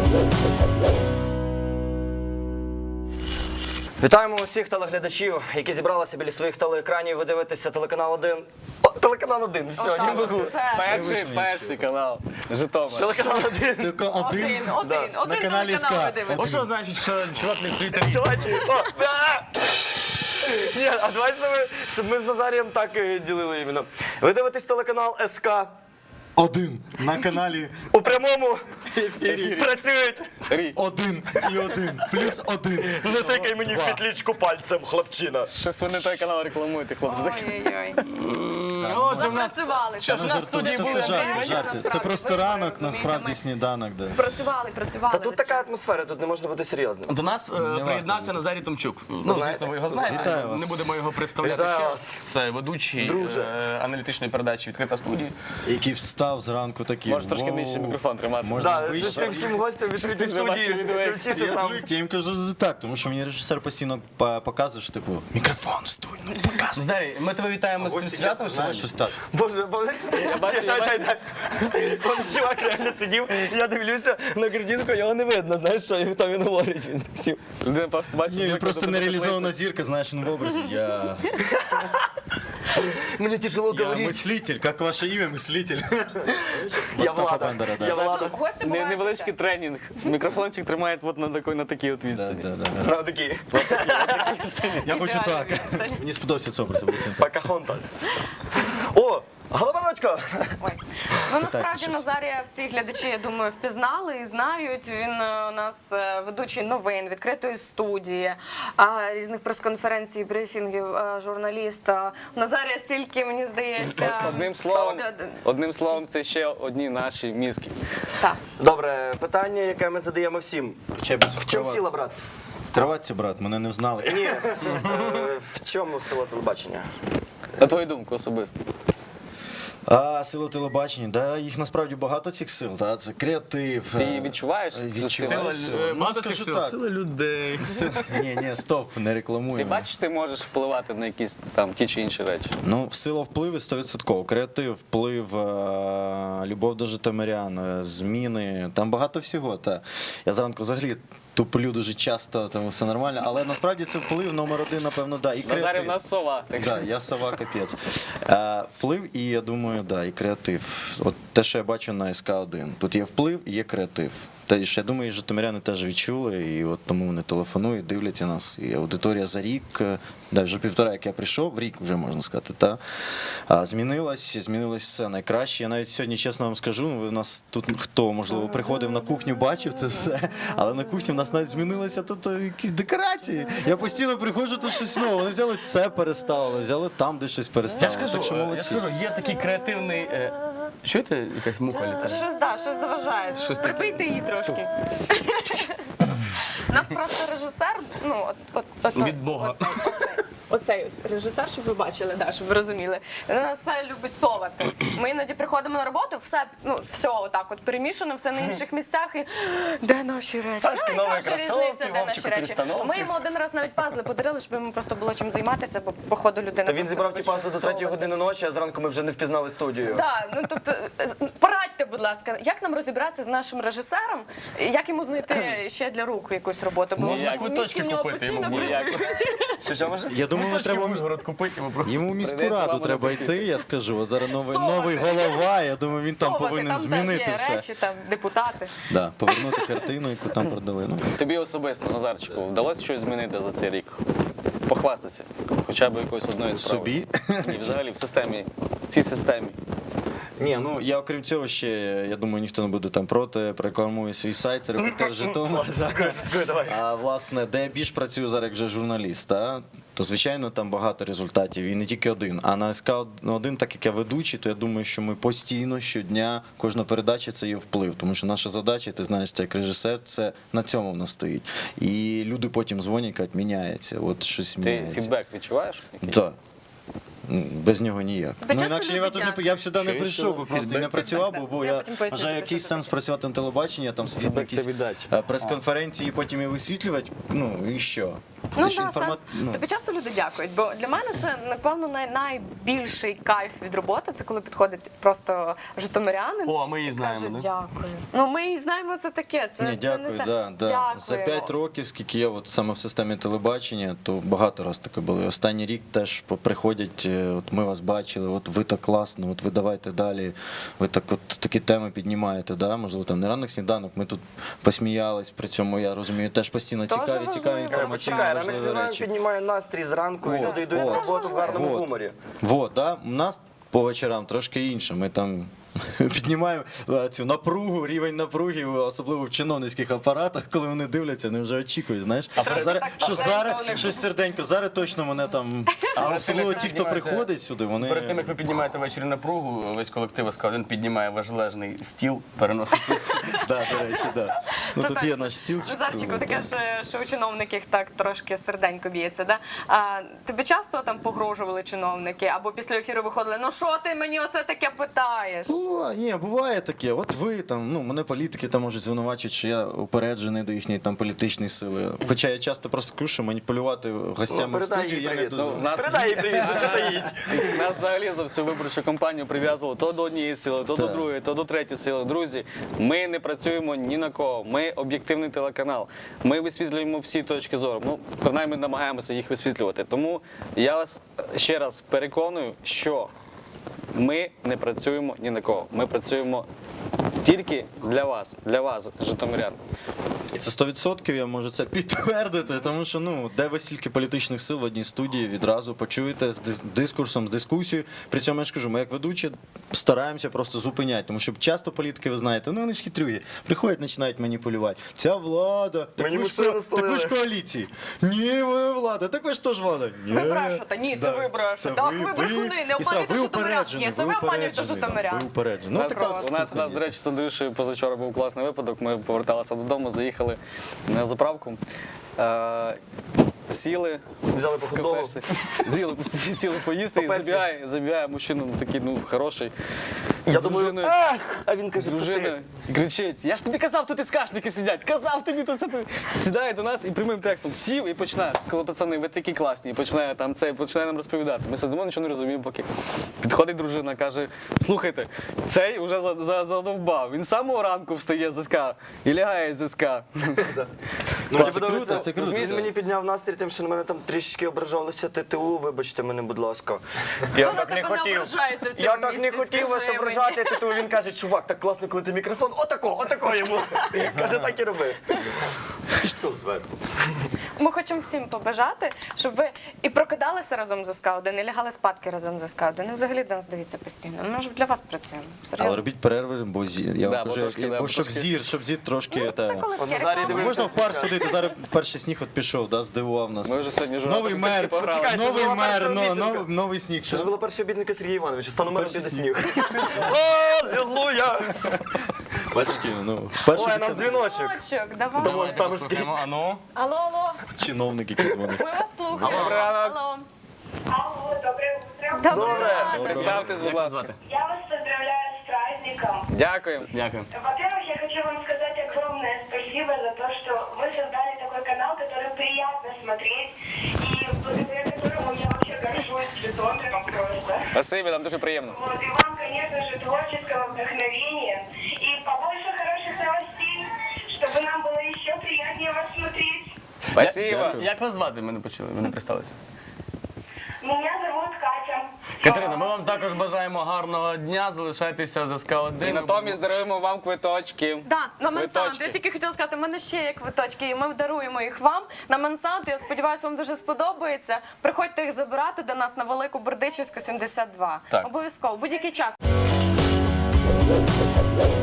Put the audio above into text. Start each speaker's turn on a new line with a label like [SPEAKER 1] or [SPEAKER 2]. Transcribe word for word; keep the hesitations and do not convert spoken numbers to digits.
[SPEAKER 1] Вітаємо усіх телеглядачів, які зібралися біля своїх телеекранів. Ви дивитеся телеканал один. О, телеканал один, все, не можу.
[SPEAKER 2] Перший, перший канал. Житомир.
[SPEAKER 1] Телеканал один.
[SPEAKER 3] Тільки один.
[SPEAKER 4] Один, один, один
[SPEAKER 3] На каналі
[SPEAKER 4] телеканал
[SPEAKER 3] СК.
[SPEAKER 4] ви дивитесь.
[SPEAKER 2] Ось що значить, що чувак не світить.
[SPEAKER 1] Давайте. О, а! Ні, а давайте ми, щоб ми з Назарієм так е, ділили іменно. Ви дивитесь телеканал СК.
[SPEAKER 3] Один. На каналі
[SPEAKER 1] У прямому
[SPEAKER 3] ефірі.
[SPEAKER 1] працюють.
[SPEAKER 2] Рі.
[SPEAKER 3] Один і один. Плюс один.
[SPEAKER 1] Не тикай мені в
[SPEAKER 3] Два.
[SPEAKER 1] петлічку пальцем, хлопчина.
[SPEAKER 2] Щось ви не той канал рекламуєте, хлопці.
[SPEAKER 4] Ой-ой-ой.
[SPEAKER 2] Отже, в нас
[SPEAKER 4] Запрацювали.
[SPEAKER 2] Що
[SPEAKER 4] Це
[SPEAKER 2] ж
[SPEAKER 4] ж
[SPEAKER 2] у нас
[SPEAKER 3] Це
[SPEAKER 2] студії
[SPEAKER 3] все
[SPEAKER 2] були
[SPEAKER 3] жарти,
[SPEAKER 4] Насправді,
[SPEAKER 3] жарти. Це
[SPEAKER 4] насправді,
[SPEAKER 3] просто
[SPEAKER 4] ви
[SPEAKER 3] ранок,
[SPEAKER 4] розумієте,
[SPEAKER 3] насправді
[SPEAKER 4] ми
[SPEAKER 3] сніданок. Да.
[SPEAKER 4] Працювали, працювали.
[SPEAKER 1] Та тут
[SPEAKER 4] весь
[SPEAKER 1] така
[SPEAKER 4] час.
[SPEAKER 1] атмосфера, тут не можна бути серйозним.
[SPEAKER 2] До нас е, приєднався Назарій Томчук. Ну,
[SPEAKER 1] знаєте?
[SPEAKER 2] звісно, ви його знаєте.
[SPEAKER 3] Вітаю вас.
[SPEAKER 2] Не будемо його представляти
[SPEAKER 1] Вітаю
[SPEAKER 2] ще
[SPEAKER 1] вас.
[SPEAKER 2] раз. Це ведучий
[SPEAKER 1] Друже.
[SPEAKER 2] е, аналітичної передачі «Відкрита студія».
[SPEAKER 3] Який встав зранку такий.
[SPEAKER 2] Можеш трошки
[SPEAKER 3] «Воу».
[SPEAKER 2] нижче мікрофон тримати.
[SPEAKER 3] Можна
[SPEAKER 1] Так,
[SPEAKER 3] вище.
[SPEAKER 1] з тим всім гостям відкриті
[SPEAKER 2] ти живеш
[SPEAKER 1] студії.
[SPEAKER 2] від двері.
[SPEAKER 1] Включився
[SPEAKER 3] Я
[SPEAKER 1] сам.
[SPEAKER 3] звик, я їм кажу так, тому що мені режисер постійно по- показує, що типу, мікрофон, стой, ну показуй.
[SPEAKER 2] Назарій, ми тебе вітаємо з цим
[SPEAKER 1] Гості
[SPEAKER 2] святом
[SPEAKER 1] часто
[SPEAKER 3] Знаєш,
[SPEAKER 2] сьогодні.
[SPEAKER 3] щось так.
[SPEAKER 1] Боже, боже, я
[SPEAKER 2] бачу, я бачу.
[SPEAKER 1] Вон чувак реально сидів, я дивлюся на картинку, його не видно, знаєш, що хто він говорить, він сів.
[SPEAKER 2] Людина просто бачить,
[SPEAKER 3] Ні, він
[SPEAKER 2] звикла
[SPEAKER 3] просто
[SPEAKER 2] до
[SPEAKER 3] нереалізована зірка, знаєш, він в образі. Я,
[SPEAKER 1] Мені тяжело
[SPEAKER 3] я
[SPEAKER 1] говорити.
[SPEAKER 3] мислитель, як ваше ім'я, мислитель.
[SPEAKER 1] Я
[SPEAKER 3] Остапа
[SPEAKER 1] Влада,
[SPEAKER 3] Бендера, да.
[SPEAKER 1] я Влада.
[SPEAKER 4] Гості
[SPEAKER 2] Не-
[SPEAKER 4] бувають
[SPEAKER 2] Невеличкий тренінг. Мікрофончик тримає от на такій, на такій от
[SPEAKER 3] Да,
[SPEAKER 2] відстані.
[SPEAKER 3] да, да.
[SPEAKER 1] На такі.
[SPEAKER 3] Я хочу так. Мені сподобався цей образ. образ.
[SPEAKER 1] Покахонтас. О, Голобородько.
[SPEAKER 4] Ой. Ну насправді
[SPEAKER 3] щось.
[SPEAKER 4] Назарія всі глядачі, я думаю, впізнали і знають. Він е, у нас е, ведучий новин, відкритої студії, а, різних прес-конференцій, брифінгів, е, журналіст. А, у Назарія стільки, мені здається,
[SPEAKER 2] Одним словом,
[SPEAKER 4] Да, да.
[SPEAKER 2] одним словом, це ще одні наші мізки.
[SPEAKER 4] Так.
[SPEAKER 1] Добре, питання, яке ми задаємо всім.
[SPEAKER 3] Ще без
[SPEAKER 1] В чому
[SPEAKER 3] вкрова-
[SPEAKER 1] сила, брат?
[SPEAKER 3] Кроватці, брат, мене не взнали.
[SPEAKER 1] Ні. Е, В чому сила телебачення?
[SPEAKER 2] На твою думку особисто.
[SPEAKER 3] А, сила телебачення, да, їх насправді багато цих сил, да, це креатив.
[SPEAKER 2] Ти
[SPEAKER 3] е,
[SPEAKER 2] її відчуваєш?
[SPEAKER 3] Відчуваю.
[SPEAKER 2] Сила,
[SPEAKER 3] Ну,
[SPEAKER 2] е, багато
[SPEAKER 3] скажу
[SPEAKER 2] цих сил.
[SPEAKER 3] так.
[SPEAKER 2] Сила людей.
[SPEAKER 3] Ні, ні, стоп, не рекламуємо.
[SPEAKER 2] Ти бачиш, ти можеш впливати на якісь там ті чи інші речі.
[SPEAKER 3] Ну, сила впливу сто відсотків. Креатив, вплив, е, любов до житомирян, е, зміни, там багато всього. Та. Я зранку взагалі туплю дуже часто, тому все нормально, але насправді це вплив номер один, напевно, да, і
[SPEAKER 2] Назарі в
[SPEAKER 3] креатив.
[SPEAKER 2] нас сова. Так що
[SPEAKER 3] Да, я сова капець. Е, вплив і, я думаю, да, і креатив. От те, що я бачу на ес ка один. Тут є вплив і є креатив. Та ж, я думаю, і житомиряни теж відчули, і от тому вони телефонують, дивляться нас. І аудиторія за рік, е, да, вже півтора, як я прийшов, рік вже можна сказати, та, а, змінилось, змінилось все найкраще. Я навіть сьогодні, чесно вам скажу, ну, ви в нас тут хто, можливо, приходив на кухню, бачив це все, але на кухні в нас навіть змінилися тут е, якісь декорації. Я постійно приходжу, тут щось нове. Вони взяли це переставили, взяли там, де щось переставили.
[SPEAKER 2] Я ж кажу,
[SPEAKER 3] так що
[SPEAKER 2] е, я
[SPEAKER 3] молодці.
[SPEAKER 2] ж кажу, є такий креативний. е, Чуєте, якась муха літає?
[SPEAKER 4] Щось, да, щось заважає.
[SPEAKER 2] Щось таке.
[SPEAKER 4] Прибийте її трошки. У нас просто режисер, ну, от, от, от,
[SPEAKER 2] Від Бога.
[SPEAKER 4] Оцей, оцей, оцей ось режисер, щоб ви бачили, да, щоб ви розуміли. Він нас все любить совати. Ми іноді приходимо на роботу, все, ну, все отак от перемішано, все на інших місцях. І де наші речі?
[SPEAKER 2] Сашки
[SPEAKER 4] Ну,
[SPEAKER 2] нові
[SPEAKER 4] яка ж
[SPEAKER 2] кросовки,
[SPEAKER 4] різниця, де наші
[SPEAKER 2] Вовчику
[SPEAKER 4] речі?
[SPEAKER 2] перестановки.
[SPEAKER 4] Ми йому один раз навіть пазли подарили, щоб йому просто було чим займатися, бо по ходу людина.
[SPEAKER 1] Та він
[SPEAKER 4] просто
[SPEAKER 1] зібрав ті
[SPEAKER 4] любить
[SPEAKER 1] пасти до
[SPEAKER 4] щось
[SPEAKER 1] третьої
[SPEAKER 4] совати.
[SPEAKER 1] години ночі, а зранку ми вже не впізнали студію.
[SPEAKER 4] Так, ну тобто е, порадьте, будь ласка, як нам розібратися з нашим режисером, як йому знайти ще для рук якусь роботу? Бо
[SPEAKER 2] Ніяк.
[SPEAKER 4] мізки
[SPEAKER 2] Квиточки
[SPEAKER 4] в нього
[SPEAKER 2] купити йому
[SPEAKER 4] постійно
[SPEAKER 2] ніяк.
[SPEAKER 4] працюють.
[SPEAKER 1] Що, що може?
[SPEAKER 3] Я думаю,
[SPEAKER 2] Точки
[SPEAKER 3] треба
[SPEAKER 2] в Ужгород купити йому просто.
[SPEAKER 3] йому в міську
[SPEAKER 2] Прийдеться
[SPEAKER 3] раду
[SPEAKER 2] вам
[SPEAKER 3] треба
[SPEAKER 2] напити.
[SPEAKER 3] йти, я скажу. От зараз новий,
[SPEAKER 4] Совати.
[SPEAKER 3] новий голова, я думаю, він там
[SPEAKER 4] Совати,
[SPEAKER 3] повинен
[SPEAKER 4] там
[SPEAKER 3] змінити
[SPEAKER 4] теж є
[SPEAKER 3] все.
[SPEAKER 4] речі, там депутати.
[SPEAKER 3] Да, повернути картину, яку там продали. Ну,
[SPEAKER 2] Тобі особисто, Назарчику, вдалося щось змінити за цей рік? Похвастатися. Хоча б якоюсь одною справою.
[SPEAKER 3] собі.
[SPEAKER 2] Ні, взагалі в системі, в цій системі.
[SPEAKER 3] Ні, ну я окрім цього ще, я думаю, ніхто не буде там проти, прорекламую свій сайт, це репортер Житомир.
[SPEAKER 1] Шуткую, давай.
[SPEAKER 3] А власне, де я більш працюю зараз як вже журналіст, та, то звичайно там багато результатів і не тільки один. А на ес ка один, так як я ведучий, то я думаю, що ми постійно, щодня, кожна передача це є вплив. Тому що наша задача, ти знаєш, ти як режисер, це на цьому в нас стоїть. І люди потім дзвонять, кажуть, міняється, от щось
[SPEAKER 2] Ти
[SPEAKER 3] міняється.
[SPEAKER 2] фідбек відчуваєш? якийсь?
[SPEAKER 3] Так. м, без нього ніяк.
[SPEAKER 4] Тебе
[SPEAKER 3] Ну
[SPEAKER 4] часто
[SPEAKER 3] інакше я
[SPEAKER 4] люди
[SPEAKER 3] тут не
[SPEAKER 4] дякують?
[SPEAKER 3] я б сюди не
[SPEAKER 2] Що
[SPEAKER 3] прийшов,
[SPEAKER 2] є
[SPEAKER 3] би просто і
[SPEAKER 2] фідбек?
[SPEAKER 3] не працював,
[SPEAKER 4] Фідбек,
[SPEAKER 3] бо
[SPEAKER 4] так. Я
[SPEAKER 3] я
[SPEAKER 4] потім поясню
[SPEAKER 3] вважаю,
[SPEAKER 4] тобі,
[SPEAKER 3] який
[SPEAKER 4] що це
[SPEAKER 3] сенс
[SPEAKER 4] таке.
[SPEAKER 3] працювати на телебаченні, там сидіти на
[SPEAKER 2] Фідбек це
[SPEAKER 3] якісь
[SPEAKER 2] віддача.
[SPEAKER 3] е, прес-конференції, потім і висвітлювати. Ну і що?
[SPEAKER 4] Ну
[SPEAKER 3] Ти ж
[SPEAKER 4] да,
[SPEAKER 3] інформат-
[SPEAKER 4] сенс.
[SPEAKER 3] ну.
[SPEAKER 4] Тобі часто люди дякують, бо для мене це напевно най- найбільший кайф від роботи. Це коли підходить просто житомирянин.
[SPEAKER 1] О, а ми її
[SPEAKER 4] і
[SPEAKER 1] знаємо,
[SPEAKER 4] каже,
[SPEAKER 1] да?
[SPEAKER 4] дякую. Ну ми її знаємо, це таке. Це,
[SPEAKER 3] Ні,
[SPEAKER 4] це
[SPEAKER 3] дякую,
[SPEAKER 4] не те.
[SPEAKER 3] да, да.
[SPEAKER 4] Дякуємо.
[SPEAKER 3] За п'ять років, скільки я от саме в системі телебачення, то багато раз таке було. І останній рік теж по- приходять, е, от ми вас бачили, от ви так класно, от ви давайте далі, ви так от такі теми піднімаєте, да? Можливо, там не ранок сніданок, ми тут посміялись, при цьому я розумію, теж постійно
[SPEAKER 4] Дуже
[SPEAKER 3] цікаві, цікаві
[SPEAKER 4] важливо.
[SPEAKER 3] інформаційні
[SPEAKER 1] Чекай, ранок
[SPEAKER 3] важливі
[SPEAKER 1] сніданок
[SPEAKER 3] речі.
[SPEAKER 1] піднімає настрій зранку, і
[SPEAKER 3] Вот,
[SPEAKER 1] люди йдуть
[SPEAKER 3] вот,
[SPEAKER 1] на роботу в гарному
[SPEAKER 3] вот.
[SPEAKER 1] гуморі.
[SPEAKER 3] Вот, да? У нас по вечорам трошки інше. Ми там піднімаємо е, цю напругу, рівень напруги, особливо в чиновницьких апаратах, коли вони дивляться, вони вже очікують, знаєш.
[SPEAKER 4] Трошки
[SPEAKER 3] Зараз,
[SPEAKER 4] так
[SPEAKER 3] що
[SPEAKER 4] серденько у
[SPEAKER 3] зараз,
[SPEAKER 4] них.
[SPEAKER 3] щось серденько, зараз точно мене там. А
[SPEAKER 2] Але
[SPEAKER 3] особливо
[SPEAKER 2] ти
[SPEAKER 3] ті, хто
[SPEAKER 2] піднімаєте-
[SPEAKER 3] приходить сюди, вони.
[SPEAKER 2] Перед тим, як ви піднімаєте ввечері напругу, весь колектив СК один піднімає важележний стіл, переносить.
[SPEAKER 3] Да, до речі, да. Ну
[SPEAKER 4] Це
[SPEAKER 3] тут є
[SPEAKER 4] точно.
[SPEAKER 3] наш стілчик.
[SPEAKER 4] Назарчику, таке ж, що у чиновників так трошки серденько б'ється. Да? А, тобі часто там погрожували чиновники, або після ефіру виходили, ну що ти мені оце таке питаєш?
[SPEAKER 3] Ну, а, ні, буває таке. От ви там, ну мене політики там можуть звинувачити, що я упереджений до їхньої там політичної сили. Хоча я часто просто кажу, що маніпулювати гостями в
[SPEAKER 1] передай
[SPEAKER 3] студії
[SPEAKER 1] їй
[SPEAKER 3] я не
[SPEAKER 1] привіт.
[SPEAKER 3] дозволю.
[SPEAKER 2] Ну, в нас-
[SPEAKER 1] Передай їй привіт, ну що таїть.
[SPEAKER 2] Нас взагалі за всю виборчу кампанію прив'язували то до однієї сили, то до
[SPEAKER 3] Так.
[SPEAKER 2] другої, то до третьої сили. Друзі, ми не працюємо ні на кого. Ми об'єктивний телеканал. Ми висвітлюємо всі точки зору. Ну, принаймні намагаємося їх висвітлювати. Тому я вас ще раз переконую, що ми не працюємо ні на кого. Ми працюємо тільки для вас, для вас, житомирян.
[SPEAKER 3] І це сто відсотків я можу це підтвердити, тому що ну де ви стільки політичних сил в одній студії відразу почуєте з дис- дискурсом, з дискусією. При цьому я ж кажу, ми як ведучі стараємося просто зупиняти, тому що часто політики, ви знаєте, ну вони ж хитрюги, приходять, починають маніпулювати. Ця влада, так
[SPEAKER 1] Мені
[SPEAKER 3] ви ж
[SPEAKER 1] все
[SPEAKER 3] ко-
[SPEAKER 1] розпалили.
[SPEAKER 3] так ви ж коаліції. Ні, ви влада, так ви ж теж влада. Ні.
[SPEAKER 4] Ви брешете, ні, це ви брешете. Так, ви брехуни, не
[SPEAKER 3] І
[SPEAKER 4] обманюйте
[SPEAKER 3] все, ви
[SPEAKER 4] житомирян.
[SPEAKER 3] упереджені,
[SPEAKER 4] Ні, це ви обманюєте
[SPEAKER 3] упереджені,
[SPEAKER 4] житомирян.
[SPEAKER 3] Ви упереджені.
[SPEAKER 2] У
[SPEAKER 3] Ну,
[SPEAKER 2] нас,
[SPEAKER 3] така
[SPEAKER 2] у нас, у
[SPEAKER 3] ступінь
[SPEAKER 2] нас,
[SPEAKER 3] є.
[SPEAKER 2] до речі, з Андрюшею позавчора був класний випадок. Ми поверталися додому, заїхали на заправку. Е, Сіли,
[SPEAKER 1] Взяли по хот-догу.
[SPEAKER 2] кафешці, сіли, сіли поїсти і
[SPEAKER 1] По Пепсі.
[SPEAKER 2] забігає, забігає мужчина, ну такий, ну, хороший.
[SPEAKER 1] Я
[SPEAKER 2] з
[SPEAKER 1] думаю,
[SPEAKER 2] дружиною.
[SPEAKER 1] ах, а він
[SPEAKER 2] З
[SPEAKER 1] каже, це
[SPEAKER 2] дружиною
[SPEAKER 1] ти.
[SPEAKER 2] і кричить: я ж тобі казав, тут і скашники сидять, казав тобі тут це. Сідає до нас і прямим текстом сів і починає, коли пацани, ви такі класні, і починає там це, починає нам розповідати. Ми сидимо, нічого не розуміємо поки. Підходить дружина, каже: слухайте, цей уже за- за- задовбав. Він з самого ранку встає з СК і лягає з СК.
[SPEAKER 1] Ну,
[SPEAKER 3] Так,
[SPEAKER 1] мені
[SPEAKER 3] це
[SPEAKER 1] подобається,
[SPEAKER 3] круто, це круто.
[SPEAKER 1] Він мені підняв настрій тим, що на мене там трішечки ображалося ТТУ, вибачте мене, будь ласка.
[SPEAKER 4] Хто на тебе не ображається в цьому
[SPEAKER 1] Я так не
[SPEAKER 4] місці,
[SPEAKER 1] хотів вас
[SPEAKER 4] скажи
[SPEAKER 1] ображати ТТУ. Він каже, чувак, так класно, коли ти мікрофон, отако, отако йому. Каже, так і роби. І що зверху?
[SPEAKER 4] Ми хочемо всім побажати, щоб ви і прокидалися разом з СК один, і лягали спадки разом з СК один. І взагалі до нас дивіться постійно. Ми ж для вас працюємо.
[SPEAKER 3] Але
[SPEAKER 4] Серйозно.
[SPEAKER 3] робіть перерви, бо зір. Я
[SPEAKER 2] Да,
[SPEAKER 3] вам
[SPEAKER 2] бо
[SPEAKER 3] кажу,
[SPEAKER 2] трошки,
[SPEAKER 3] бо
[SPEAKER 2] да, бо
[SPEAKER 3] щоб
[SPEAKER 2] трошки.
[SPEAKER 3] зір, щоб зір трошки.
[SPEAKER 4] Це
[SPEAKER 3] та-
[SPEAKER 4] коли таке
[SPEAKER 1] Назарій
[SPEAKER 4] реклама.
[SPEAKER 1] дивився.
[SPEAKER 3] Можна в парк сходити, зараз перший сніг от пішов, да, здивував нас.
[SPEAKER 2] Ми вже сьогодні журнал
[SPEAKER 3] Новий
[SPEAKER 2] «Статистики»
[SPEAKER 3] мер,
[SPEAKER 2] пограли.
[SPEAKER 1] Почекайте,
[SPEAKER 3] новий
[SPEAKER 1] це була
[SPEAKER 3] мер,
[SPEAKER 1] перша
[SPEAKER 3] но-
[SPEAKER 1] обіцянка.
[SPEAKER 3] нов- новий сніг.
[SPEAKER 1] Це ж була перша обіцянка Сергія Івановича. Стану мером
[SPEAKER 3] Перший
[SPEAKER 1] піде
[SPEAKER 3] сніг.
[SPEAKER 1] сніг. Аллилуйя!
[SPEAKER 3] Бачки, ну, перший
[SPEAKER 1] Ой, у нас
[SPEAKER 3] це
[SPEAKER 1] дзвіночок.
[SPEAKER 4] Дзвіночок, давай.
[SPEAKER 1] Тому ж там скільки.
[SPEAKER 2] А ну?
[SPEAKER 4] Алло, алло,
[SPEAKER 3] чиновник, який дзвонить.
[SPEAKER 4] ми вас слухаємо.
[SPEAKER 2] Добрий ранок.
[SPEAKER 4] Алло.
[SPEAKER 5] Алло, доброе утро.
[SPEAKER 4] Добре.
[SPEAKER 1] Добре.
[SPEAKER 2] Представтесь, будь ласка.
[SPEAKER 5] Я вас поздравляю с праздником.
[SPEAKER 2] Дякуємо. Дякую.
[SPEAKER 5] Во-первых, я хочу вам сказать огромное спасибо за то, что вы создали такой канал, который приятно смотреть, и благодаря которому я вообще горжусь Житомиром просто.
[SPEAKER 2] Спасибі, нам дуже приємно.
[SPEAKER 5] Вот, и вам, конечно же, творческого вдохновения, и побольше хороших новостей, чтобы нам было еще приятнее вас смотреть.
[SPEAKER 2] Спасибо.
[SPEAKER 3] Дякую.
[SPEAKER 2] Як вас звати? Ми не почули, ви не представилися.
[SPEAKER 5] Меня зовут Катя.
[SPEAKER 6] Катерина, ми вам також бажаємо гарного дня. Залишайтеся з СК
[SPEAKER 2] І
[SPEAKER 6] один.
[SPEAKER 2] натомість даруємо вам квиточки.
[SPEAKER 4] Да, на Мансант.
[SPEAKER 2] Квиточки.
[SPEAKER 4] Я тільки хотіла сказати, в мене ще є квиточки, і ми даруємо їх вам на Мансант. Я сподіваюся, вам дуже сподобається. Приходьте їх забирати до нас на Велику Бердичівську, сімдесят два.
[SPEAKER 6] Так.
[SPEAKER 4] Обов'язково, будь-який час.